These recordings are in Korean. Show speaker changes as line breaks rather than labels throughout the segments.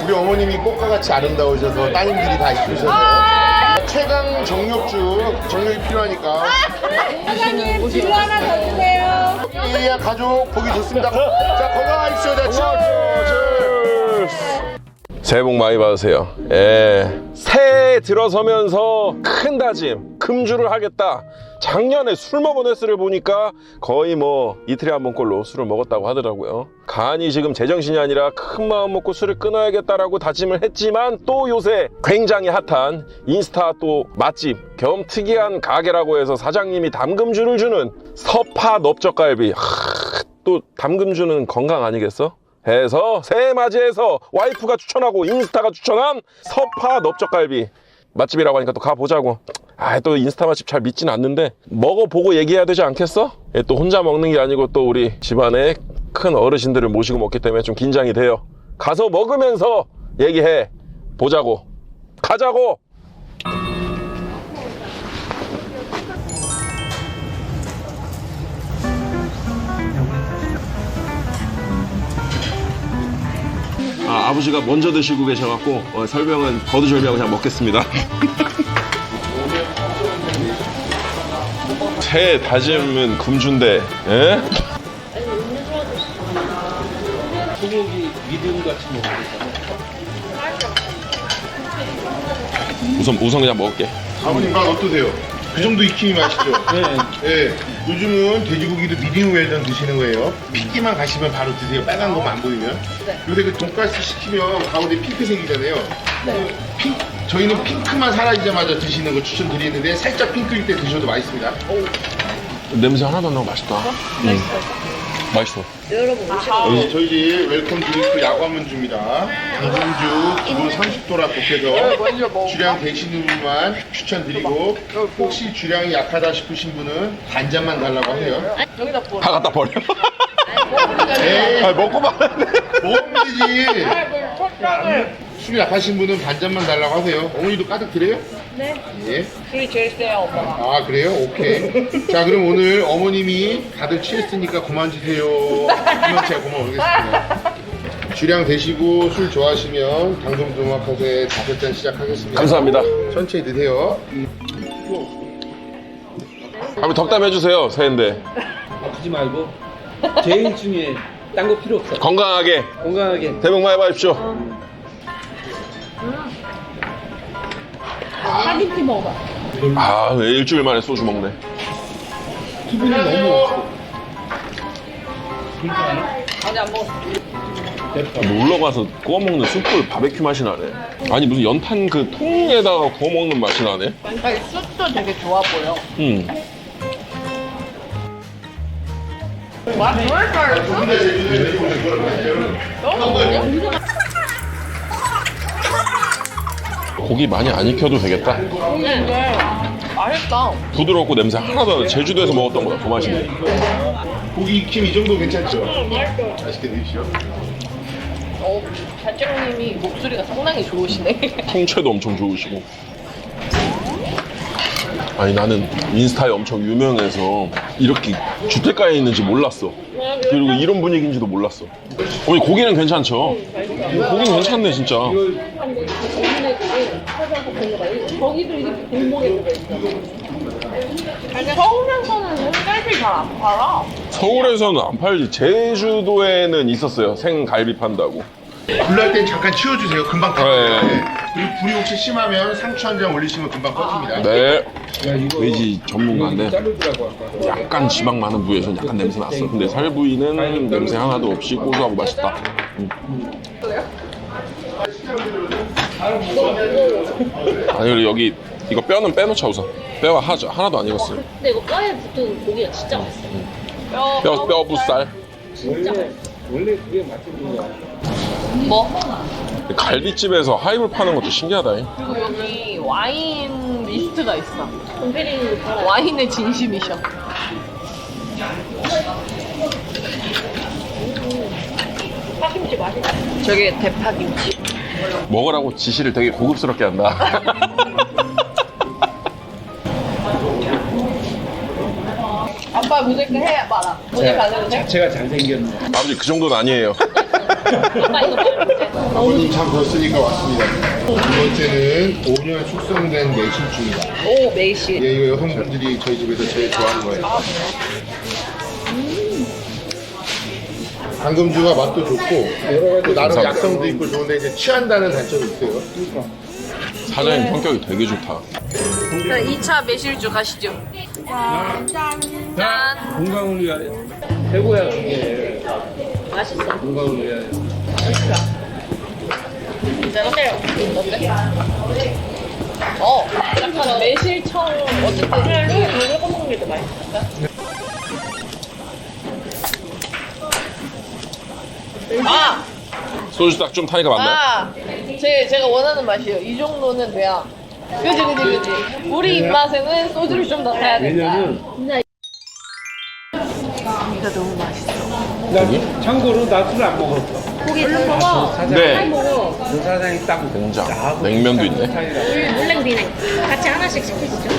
우리 어머님이 꽃과 같이 아름다우셔서 따님들이 다 입으셔서 최강 정력이 필요하니까.
사장님 주 하나 더 주세요.
이야 가족 보기 좋습니다. 자 건강하십시오. 자 치얼스.
새해 복 많이 받으세요. 예. 새해 들어서면서 큰 다짐, 금주를 하겠다. 작년에 술 먹은 횟수를 보니까 거의 뭐 이틀에 한 번꼴로 술을 먹었다고 하더라고요. 간이 지금 제정신이 아니라 큰 마음 먹고 술을 끊어야겠다라고 다짐을 했지만 또 요새 굉장히 핫한 인스타 또 맛집 겸 특이한 가게라고 해서 사장님이 담금주를 주는 서파 넓적갈비. 또 담금주는 건강 아니겠어? 해서 새해 맞이해서 와이프가 추천하고 인스타가 추천한 서파 넓적갈비 맛집이라고 하니까 또 가보자고. 또 인스타 맛집 잘 믿진 않는데 먹어보고 얘기해야 되지 않겠어? 또 혼자 먹는 게 아니고 또 우리 집안에 큰 어르신들을 모시고 먹기 때문에 좀 긴장이 돼요. 가서 먹으면서 얘기해 보자고. 가자고. 아버지가 먼저 드시고 계셔갖고 설명은 거두절미하고 그냥 먹겠습니다. 새해 다짐은 금주인데, 예?
소고기 미디움 같이 먹으니까.
우선 그냥 먹을게.
아버님 맛 어떠세요? 그 정도 익힘이 맛있죠? 네. 요즘은 돼지고기도 미디움 웰던 드시는 거예요. 핏기만 가시면 바로 드세요. 빨간 것만 안 보이면. 요새 그 돈가스 시키면 가운데 핑크색이잖아요. 저희는 핑크만 사라지자마자 드시는 거 추천드리는데 살짝 핑크일 때 드셔도 맛있습니다.
냄새 하나도 안 나고 맛있다. 맛있어.
저희 집 웰컴 드링크 야과문주입니다. 당근주 기본 30도라 볶여서 주량 되시는 분만 추천드리고 혹시 주량이 약하다 싶으신 분은 반잔만 달라고 하세요.
다 갖다 버려.
에이,
먹고 말았네.
먹으면 되지. 술이 약하신 분은 반잔만 달라고 하세요. 어머니도 가득 드려요?
네.
예.
술이 제일 세요, 오빠가.
아 그래요? 오케이. 자 그럼 오늘 어머님이 다들 취했으니까 그만 주세요 하면 제가 고마워하겠습니다. 주량 되시고 술 좋아하시면 당근두막하세 5잔 시작하겠습니다.
감사합니다.
천천히 드세요.
한번 덕담 해주세요. 새해인데
아프지 말고 제일 중요해. 딴 거 필요 없어.
건강하게
건강하게.
새해 복 많이 받으십시오.
파김치 먹어.
왜 일주일 만에 소주 먹네.
수분이 너무 없어.
아니, 안 먹었어.
놀러 가서 구워 먹는 숯불 바베큐 맛이 나네. 아니 무슨 연탄 그 통에다가 구워 먹는 맛이 나네.
아니, 숯도 되게 좋아 보여. 와, 정말 잘했어?
고기 많이 안 익혀도 되겠다.
근데 맛있다.
부드럽고 냄새 하나도 안 나. 제주도에서 먹었던 거보다 더 맛있네.
고기 익힘 이 정도 괜찮죠? 맛있게 드십시오.
단장님이 목소리가 상당히 좋으시네.
풍채도 엄청 좋으시고. 아니 나는 인스타에 엄청 유명해서 이렇게 주택가에 있는지 몰랐어. 그리고 이런 분위기인지도 몰랐어. 어머니 고기는 괜찮죠? 고기는 괜찮네 진짜.
거기도 이렇게 골목에 들어있어. 서울에서는 생갈비 잘 안 팔아.
서울에서는 안 팔지. 제주도에는 있었어요. 생갈비 판다고.
불날 땐 잠깐 치워주세요. 금방 다.
네.
그리고 불이 혹시 심하면 상추 한 장 올리시면 금방 꺼집니다.
네.
야, 이거
돼지 전문가인데
자르더라고 아까.
약간 지방 많은 부위에서 약간 냄새 났어. 근데 살부위는 냄새 하나도 없이 고소하고 맛있다. 아니 그리고 여기 이거 뼈는 빼놓자 우선. 뼈가 하나도 안 익었어요.
근데 이거 뼈에 붙은 고기가 진짜 맛있어.
뼈 부살.
원래 그게 맛집이야.
뭐?
갈비집에서 하이볼 파는 것도 신기하다.
그리고 여기 와인 리스트가 있어.
덤페리는 팔아.
와인의 진심이셔.
파김치 맛있어.
저게 대파김치.
먹으라고 지시를 되게 고급스럽게 한다.
아빠 무조건 해 봐라. 오늘 가는 데?
자체가 잘생겼네.
아버지 그 정도는 아니에요.
엄마 이거 말고.
아버님 참 뒀으니까 왔습니다. 두 번째는 5년 숙성된 매실주입니다.
오 매실.
예, 이거 여성분들이 저희 집에서 제일 좋아하는 거예요. 당금주가 맛도 좋고 또 나름 약성도 있고 좋은데 이제 취한다는 단점이 있어요.
사장님 성격이 되게 좋다.
2차 매실주 가시죠. 짠.
건강을 위하여. 최고야, 그게.
맛있어.
건강을 위하여.
어때요? 어때? 약간 매실청 어쨌든
물을 꺼먹는 게 더 맛있어.
아!
소주 딱 좀 타니까 맞나요?
아! 제가 원하는 맛이에요. 이 정도는 돼야. 그지. 우리 입맛에는 소주를 좀 더 타야 된다.
왜냐면,
고기가 너무 맛있어.
나 참고로 나 술 안 먹었어.
고기 잘 먹어.
네.
먹어.
그 사장이 딱
된장,
나하고
냉면도
비슷한
있네.
스타일이라.
물냉 비냉. 같이 하나씩 시키시죠.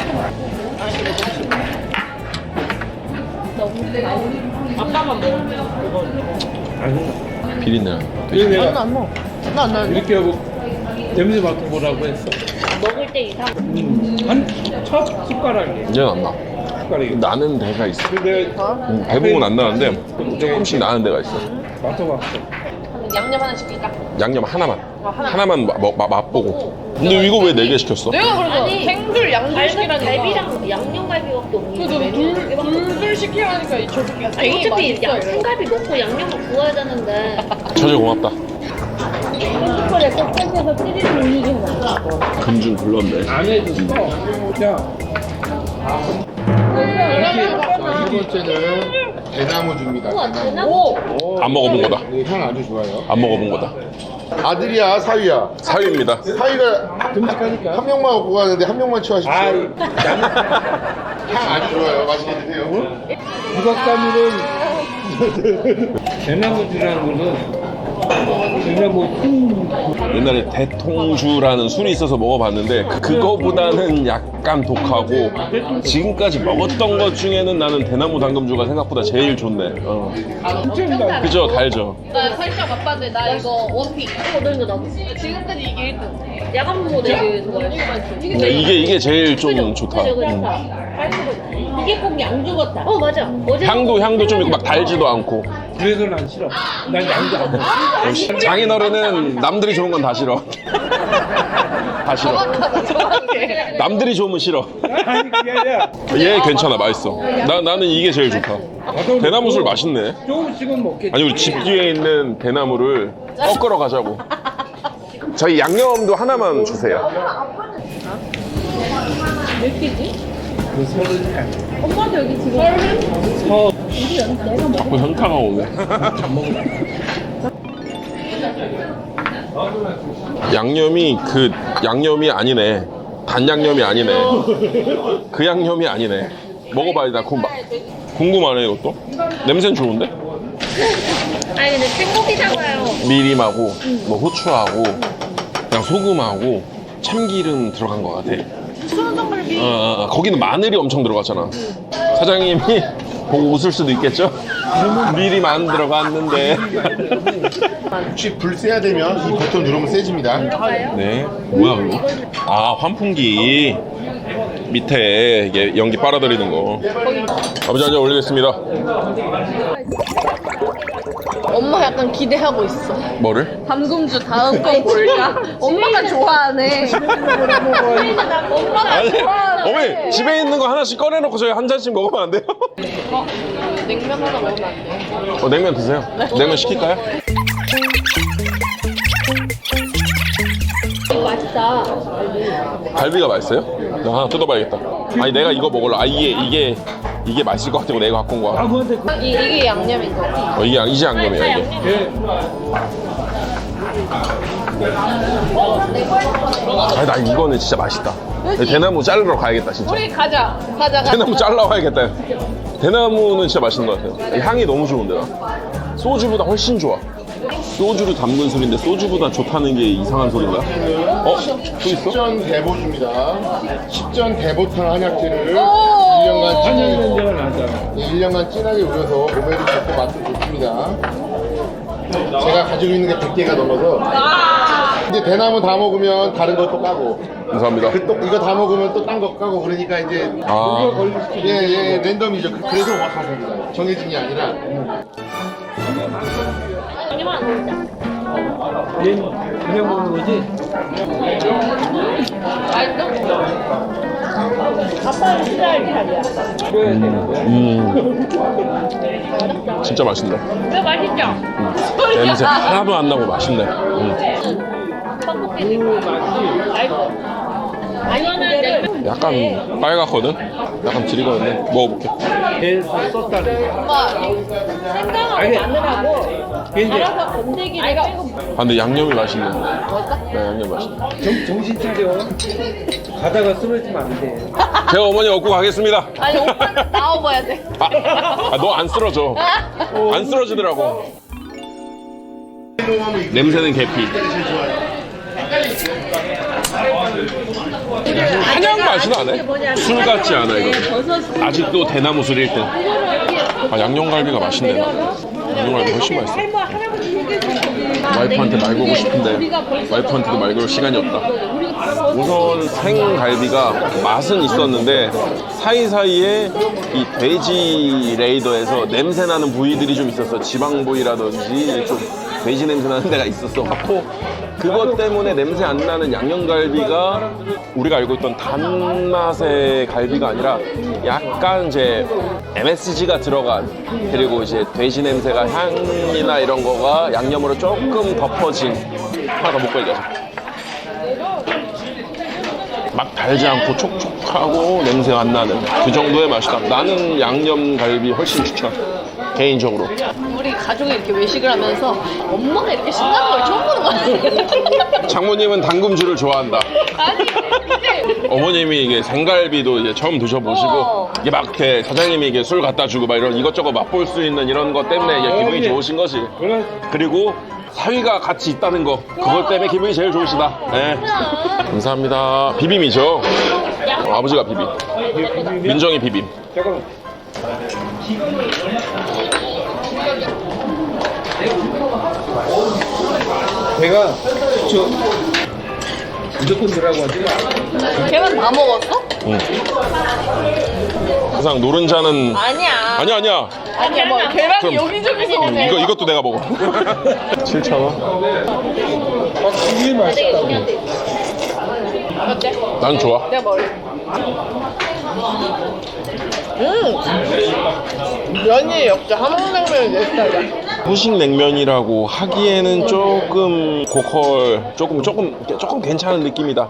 아까만 먹었는데.
아니,
비린내.
그래서 내가
안 먹어. 나안
이렇게 하고 냄새 맡아보라고 했어.
먹을 때 이상.
한 첫 숟가락이.
이제 안 나.
숟가락이.
나는 데가 있어.
근데
대부분 안 나는데 조금씩 나는 데가 있어.
맡아봤어.
양념 하나 시킬까?
양념 하나만.
하나만.
하나만 맛보고. 근데 이거 왜 4개 시켰어?
내가 그래서
아니,
생줄 양줄 시키라니까.
갈비랑 양념갈비밖에 없는
그래서
메뉴.
둘 시키라니까 이 저새끼가
아니,
되게
어차피
맛있어.
생갈비 먹고 양념을 구워야 되는데.
처제 고맙다.
슈퍼에 꼭 땡겨서 찌리는 이기는
금중 불렀네.
안 해도 써. 자,
세 번째는 대나무주입니다. 대나무.
오!
안 먹어본 거다.
네, 향 아주 좋아요.
안 먹어본 거다.
아들이야, 사위야.
사유입니다.
사위가
듬직하니까.
한 명만 갖고 가는데 한 명만 취하십시오.
아이,
향 아주 좋아요. 맛있게 드세요.
국악가미는 대나무주라는 거는 대나무
옛날에 대통주라는 술이 있어서 먹어봤는데 그거보다는 약간 독하고 지금까지 먹었던 것 중에는 나는 대나무 당금주가 생각보다 제일 좋네. 그죠? 달죠?
나 살짝 맛봤는데 나 이거 원픽.
너 이거 나도.
지금까지 이게 1등.
야간 모델 좋아했어.
이게 제일 좀 좋다.
그죠. 이게 꼭 양 죽었다. 맞아. 어제
향도 좀 있고 막 달지도 않고.
그래서 난 싫어. 난 양도 안 먹어.
역시 장인어른은 남들이 좋은 건 다 싫어. 다 싫어.
정확해.
남들이 좋으면 싫어.
아니 그게 아니라
얘 괜찮아, 맛있어. 나는 이게 제일 좋다. 대나무 술 맛있네.
조금씩은 먹겠지.
아니 우리 집 뒤에 있는 대나무를 꺾으러 가자고. 저희 양념도 하나만 주세요.
몇 개지?
그 서른이 아니야.
엄마도 여기 지금
자꾸 현타가 오네. 양념이 그 양념이 아니네. 단 양념이 아니네. 그 양념이 아니네. 먹어봐야 나 궁금하네 이것도. 냄새는 좋은데?
아니 근데 생고기잖아요.
미림하고 뭐 후추하고 그냥 소금하고 참기름 들어간 것 같아. 거기는 마늘이 엄청 들어갔잖아. 사장님이 보고 웃을 수도 있겠죠? 미림 안 들어갔는데.
혹시 불 세야 되면 이 버튼 누르면 세집니다.
네. 뭐야 그거? 아 환풍기 밑에 이게 연기 빨아들이는 거. 아버지 한잔 올리겠습니다.
엄마 약간 기대하고 있어.
뭐를?
담금주 다음 건 뭘까? 엄마가 좋아하네. 엄마가
아니,
좋아하네.
어머니 집에 있는 거 하나씩 꺼내놓고 저희 한 잔씩 먹으면 안 돼요?
냉면 하나 먹으면 안 돼.
냉면 드세요. 냉면 시킬까요?
맛있다.
갈비가 맛있어요? 나 하나 뜯어봐야겠다. 아니 내가 이거 먹을래. 아 이게 맛있을 것 같다고 내가 갖고 온 거야.
아무한테 그
이게 양념인 거.
이게 양념이야 이게. 아니 나 이거는 진짜 맛있다. 대나무 자르러 가야겠다 진짜.
우리 가자.
대나무 잘라와야겠다. 대나무는 진짜 맛있는 것 같아요. 향이 너무 좋은데 나. 소주보다 훨씬 좋아. 소주를 담근 술인데 소주보다 좋다는 게 이상한 소리인가? 또 있어?
십전 대보주입니다. 십전 대보탕 한약재를
오!
1년간
한약
진하게,
냄새가 나잖아.
1년간 진하게 우려서 몸에도 좋고 맛도 좋습니다. 제가 가지고 있는 게 100개가 넘어서 이제 대나무 다 먹으면 다른 것도 까고
감사합니다.
또 이거 다 먹으면 또 딴 거 까고 그러니까 이제 예, 랜덤이죠. 그래서 와사비입니다. 정해진 게 아니라
여기만 먹자.
그냥 먹는 거지?
아빠는 싫어할 자리야.
진짜 맛있네.
왜 맛있죠?
냄새 하나도 안 나고 맛있네.
떡볶이 맛이. 이거는
약간 빨갛거든? 약간 지리거든요. 먹어볼게.
계속 썼다는 거.
엄마 생강하고 마늘하고 갈아서 건더기를 빼고
아, 근데 양념이 맛있네. 네, 양념 맛있네.
정신 차려. 가다가 쓰러지면 안 돼.
제가 어머니 얻고 가겠습니다.
아니 오빠는 나와봐야 돼.
너 안 쓰러져. 안 쓰러지더라고. 냄새는 계피. 한약 맛이 나네. 술 같지 않아 이거. 아직도 대나무 술 1등. 아, 양념갈비가 맛있네. 양념갈비 훨씬 맛있어. 와이프한테 말 걸고 싶은데 와이프한테도 말 걸 시간이 없다. 우선 생갈비가 맛은 있었는데 사이사이에 이 돼지 레이더에서 냄새 나는 부위들이 좀 있었어. 지방 부위라든지 좀 돼지 냄새 나는 데가 있었어 갖고 그것 때문에 냄새 안 나는 양념갈비가 우리가 알고 있던 단맛의 갈비가 아니라 약간 이제 MSG가 들어간 그리고 이제 돼지 냄새가 향이나 이런 거가 양념으로 조금 덮어진 하나가 못 걸려서 막 달지 않고 촉촉하고 냄새가 안 나는 그 정도의 맛이다. 나는 양념갈비 훨씬 추천 개인적으로.
우리 가족이 이렇게 외식을 하면서 엄마가 이렇게 신나는 걸 처음 보는 거 같아.
장모님은 당금주를 좋아한다.
아니 이제
어머님이 이게 생갈비도 이제 처음 드셔보시고 이게 막 이렇게 사장님이 이게 술 갖다 주고 막 이런 이것저것 맛볼 수 있는 이런 것 때문에 이게 기분이 좋으신 거지. 그리고 사위가 같이 있다는 거 그것 때문에 기분이 제일 좋으시다. 네. 감사합니다. 비빔이죠. 아버지가 비빔. 민정이 비빔.
잠깐만. 내가 저 무조건 들어가고 하지 마.
걔만 다 먹었어?
항상 노른자는
아니야.
아니야.
아니야 뭐 걔랑
그럼
여기저기서 오네.
이것도 내가 먹어. 7,000원.
이게 맛있다.
어때?
난 좋아.
내가 먹을래. 면이 역시 함흥냉면이 내 스타일이야.
후식 냉면이라고 하기에는 조금 고퀄, 조금 괜찮은 느낌이다.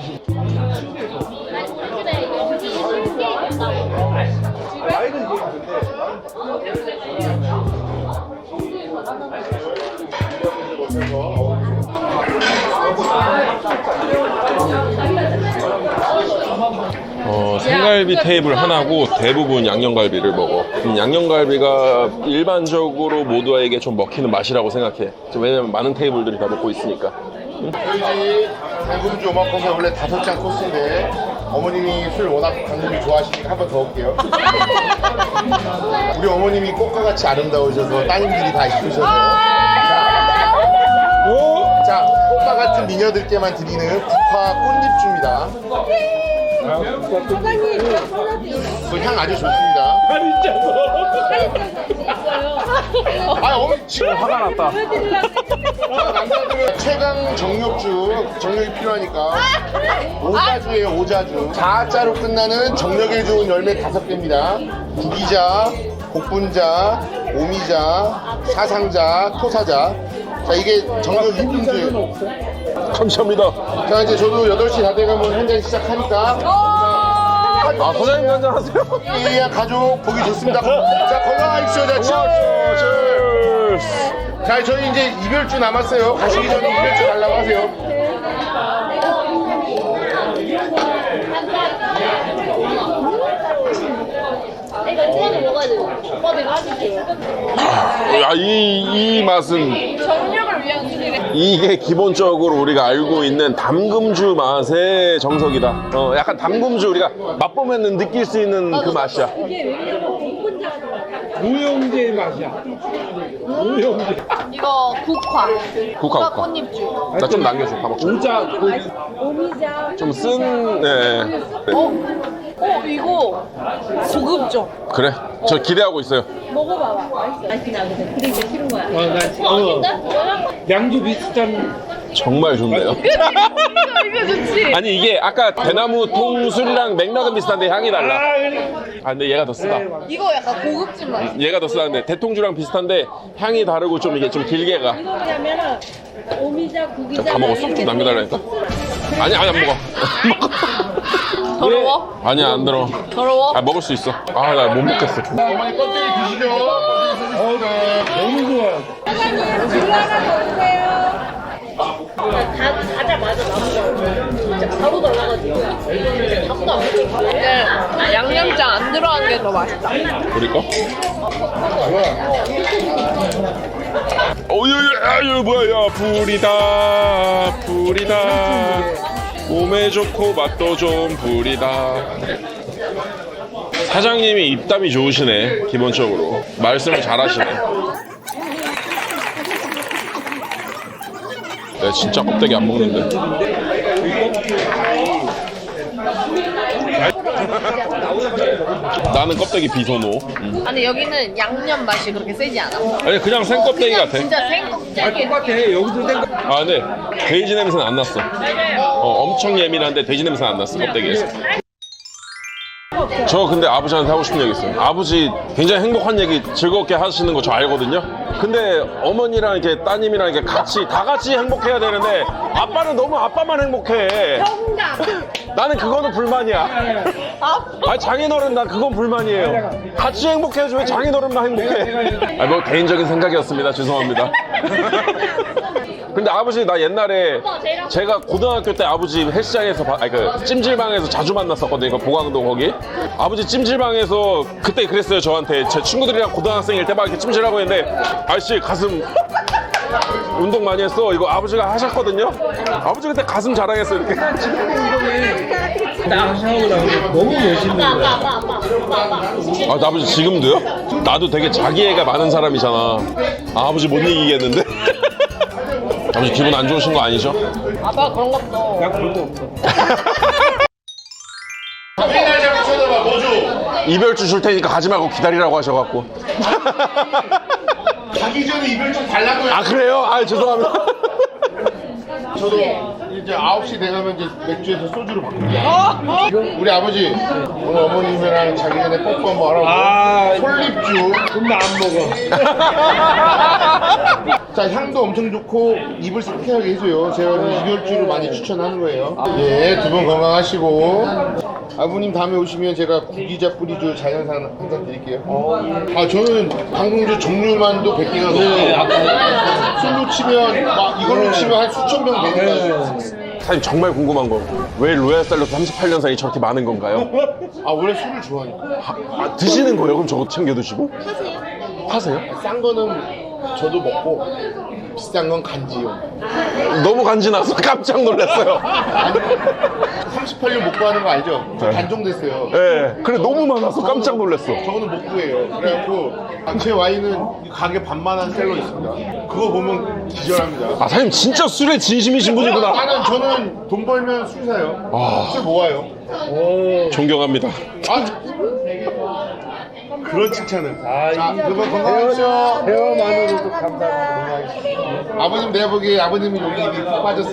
생갈비 테이블 하나고 대부분 양념갈비를 먹어. 양념갈비가 일반적으로 모두에게 좀 먹히는 맛이라고 생각해. 왜냐면 많은 테이블들이 다 먹고 있으니까.
저희 당금주 오마카세 원래 5장 코스인데 어머님이 술 워낙 당금주 좋아하시니까 한 번 더 올게요. 우리 어머님이 꽃과 같이 아름다우셔서 따님들이 다 이쁘셔서 자, 꽃과 같은 미녀들께만 드리는 국화 꽃잎주입니다. 그 향 아주 좋습니다. 아, 어머니 지금 화가 났다. 남자들은 최강 정력이 필요하니까 오자주예요, 오자주. 4자로 끝나는 정력에 좋은 열매 5개입니다. 구기자, 곡분자, 오미자, 사상자, 토사자. 자, 이게 정력 2분주예요.
감사합니다.
자, 이제 저도 8시 다 돼가면 한 잔 시작하니까.
아, 사장님 한잔 하세요.
예, 가족 보기 좋습니다. 자, 건강하십시오. 자, 치얼스. 자, 저희 이제 이별주 남았어요. 가시기 전에 이별주 달라고 하세요.
이거 오빠도 먹어야 돼. 오빠도 이거 해줄게요.
야, 이 맛은
정력을 위한 술이래.
이게 기본적으로 우리가 알고 있는 담금주 맛의 정석이다. 약간 담금주 우리가 맛보면 느낄 수 있는 그 맛이야.
이게 왜냐면 복분자가 들어가.
무용제 맛이야. 무용제.
이거 국화.
국화.
꽃잎주.
나 좀 남겨줘. 다 먹자.
오자.
좀 쓴, 네.
이거 고급죠.
그래. 저 기대하고 있어요.
먹어봐봐.
맛이 나거든. 그리고 이제 싫은 거야.
양주 비슷한.
정말 좋네요.
이거 좋지.
아니, 이게 아까 대나무 통술이랑 맥락은 비슷한데 향이 달라. 아, 근데 얘가 더 쓰다.
이거 약간 고급진 맛.
얘가 더 쓰다는데 대통주랑 비슷한데 향이 다르고 좀 이게 좀 길게 가.
이거 뭐냐면은 오미자, 구기자.
다 먹었어? 좀 남겨달라니까. 아니 안 먹어.
더러워?
아니야 안 들어.
더러워?
아 먹을 수 있어. 아 나 못 먹겠어.
어머니 껍데기 드시죠.
너무 좋아.
가자마자 나온 진짜 바로 달라가지고. 진짜 밥도 안 먹고.
근데 양념장 안 들어간 게 더 맛있다.
우리 거? 어유 뭐야 야 불이다. 몸에 좋고 맛도 좀 불이다. 사장님이 입담이 좋으시네. 기본적으로 말씀을 잘하시네. 내가 진짜 껍데기 안 먹는데. 나는 껍데기 비선호.
아니 여기는 양념 맛이 그렇게 세지 않아.
아니 그냥 생 껍데기 같아.
진짜 생껍데기.
똑같아. 여기도 생
아 근데 돼지 냄새는 안 났어. 엄청 예민한데 돼지 냄새는 안 났어 껍데기에서. 저 근데 아버지한테 하고 싶은 얘기 있어요. 아버지 굉장히 행복한 얘기 즐겁게 하시는 거 저 알거든요. 근데 어머니랑 이렇게 따님이랑 이렇게 다 같이 행복해야 되는데 아빠는 너무 아빠만 행복해. 나는 그거는 불만이야. 아 장인어른 난 그건 불만이에요. 같이 행복해야지 왜 장인어른만 행복해. 아 뭐 개인적인 생각이었습니다. 죄송합니다. 근데 아버지 나 옛날에 제가 고등학교 때 아버지 헬스장에서 그 찜질방에서 자주 만났었거든요. 보강동 거기. 아버지 찜질방에서 그때 그랬어요. 저한테 제 친구들이랑 고등학생일 때 막 이렇게 찜질하고 있는데 아저씨 가슴 운동 많이 했어. 이거 아버지가 하셨거든요. 아버지 그때 가슴 자랑했어 이렇게.
나 샤워를 하고 너무 멋있는 거야.
아, 나 아버지 지금도요? 나도 되게 자기애가 많은 사람이잖아. 아, 아버지 못 이기겠는데? 아버지 기분 안 좋으신 거 아니죠?
아빠 그런 것도.
나 그런 거 없어.
맨날 자꾸 쳐다봐. 뭐 줘?
이별주 줄 테니까 가지 말고 기다리라고 하셔갖고.
가기 전에 이별 좀 달라고요.
아, 그래요? 아, 죄송합니다.
저도 이제 9시 돼가면 이제 맥주에서 소주로 바꿉니다. 우리 아버지 오늘 어머님이랑 자기 전에 뽀뽀 한번 하라고.
아,
솔잎주.
근데 안 먹어.
자, 향도 엄청 좋고 입을 상쾌하게 해줘요. 제가 이별주를 많이 추천하는 거예요. 예, 두 분 건강하시고. 아버님 다음에 오시면 제가 구기자 뿌리주 자연산 한 잔 드릴게요. 아, 저는 방송주 종류만도 100개가 넘고 술로 치면 막 이걸로 치면 한 수천 병 되니까.
사장님 정말 궁금한 거. 왜 로얄 샐러드 38년산이 저렇게 많은 건가요?
아, 원래 술을 좋아하니까.
아, 드시는 거예요? 그럼 저거 챙겨 드시고? 하세요?
싼 거는 저도 먹고 비싼 건 간지요.
너무 간지나서 깜짝 놀랐어요.
38년 못 구하는 거 알죠? 저
네.
단종됐어요.
예. 그래, 너무 많아서 깜짝 놀랐어.
저거는 못 구해요. 그래갖고 제 와인은 가게 반만한 셀러 있습니다. 그거 보면 기절합니다.
아, 사장님 진짜 술에 진심이신 분이구나.
저는 돈 벌면 술 사요.
아.
술 모아요.
존경합니다.
아, 그런 칭찬은.
아,
자, 그러면 건강하시죠.
대화만으로도 감사합니다.
아버님 내가 보기에 아버님이 여기 입이 푹 빠졌어.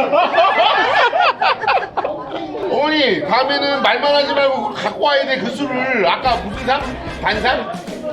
어머니 다음에는 말만 하지 말고 그거 갖고 와야 돼. 그 술을 아까 무슨 상? 반상?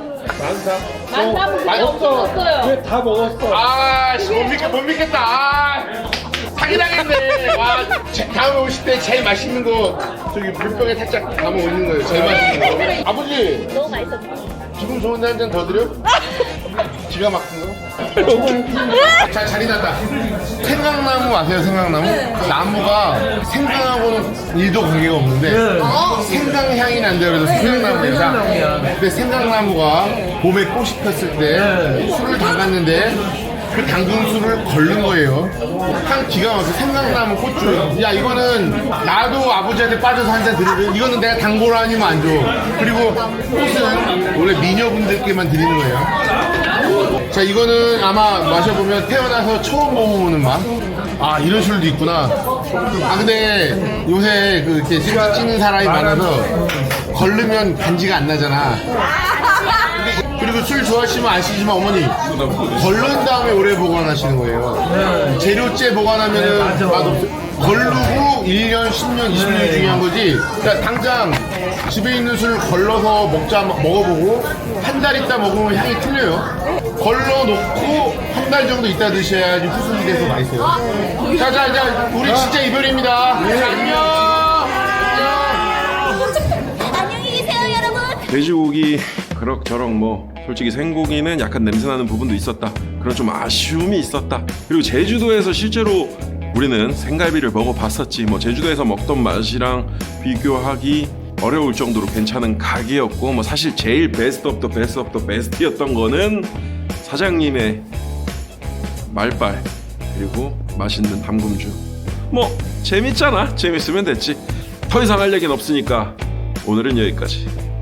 없어요.
왜 다 먹었어?
아, 씨, 못 믿겠다. 아, 사기당했네. 와, 다음에 오실 때 제일 맛있는 거 저기 물병에 살짝 담아 오는 거예요. 제일 맛있는 거. 아버지,
너무 맛있었어.
기분 좋은데 한 잔 더 드려? 기가 막힌 거? 자, 자리 났다. 생강나무 아세요, 생강나무? 나무가 생강하고는 1도 관계가 없는데 생강향이 난대요. 그래서 생강나무예요. 근데 생강나무가 봄에 꽃이 폈을 때 술을 담갔는데 그 당근술을 걸른 거예요. 향 기가 막혀. 생각나면 고추. 야, 이거는 나도 아버지한테 빠져서 한 잔 드리는. 이거는 내가 당보로 아니면 안 줘. 그리고 꽃은 원래 미녀분들께만 드리는 거예요. 자, 이거는 아마 마셔보면 태어나서 처음 먹어보는 맛. 아, 이런 술도 있구나. 아, 근데 요새 그 이렇게 술 찌는 사람이 많아서 걸르면 간지가 안 나잖아. 그리고 술 좋아하시면 아시지만 어머니 걸른 다음에 오래 보관하시는 거예요. 재료째 보관하면은 맛없어. 걸르고 1년, 10년, 20년이 중요한 거지. 그러니까 당장 집에 있는 술 걸러서 먹어보고 한 달 있다 먹으면 향이 틀려요. 걸러놓고 한 달 정도 있다 드셔야지 후순이 돼서 맛있어요. 자, 우리 진짜 이별입니다. 안녕.
안녕히 계세요, 여러분.
돼지고기 그럭저럭 뭐 솔직히 생고기는 약간 냄새나는 부분도 있었다. 그런 좀 아쉬움이 있었다. 그리고 제주도에서 실제로 우리는 생갈비를 먹어봤었지. 뭐 제주도에서 먹던 맛이랑 비교하기 어려울 정도로 괜찮은 가게였고, 뭐 사실 제일 베스트 오브 더 베스트 오브 더 베스트였던 거는 사장님의 말빨 그리고 맛있는 담금주. 뭐 재밌잖아. 재밌으면 됐지. 더 이상 할 얘기는 없으니까 오늘은 여기까지.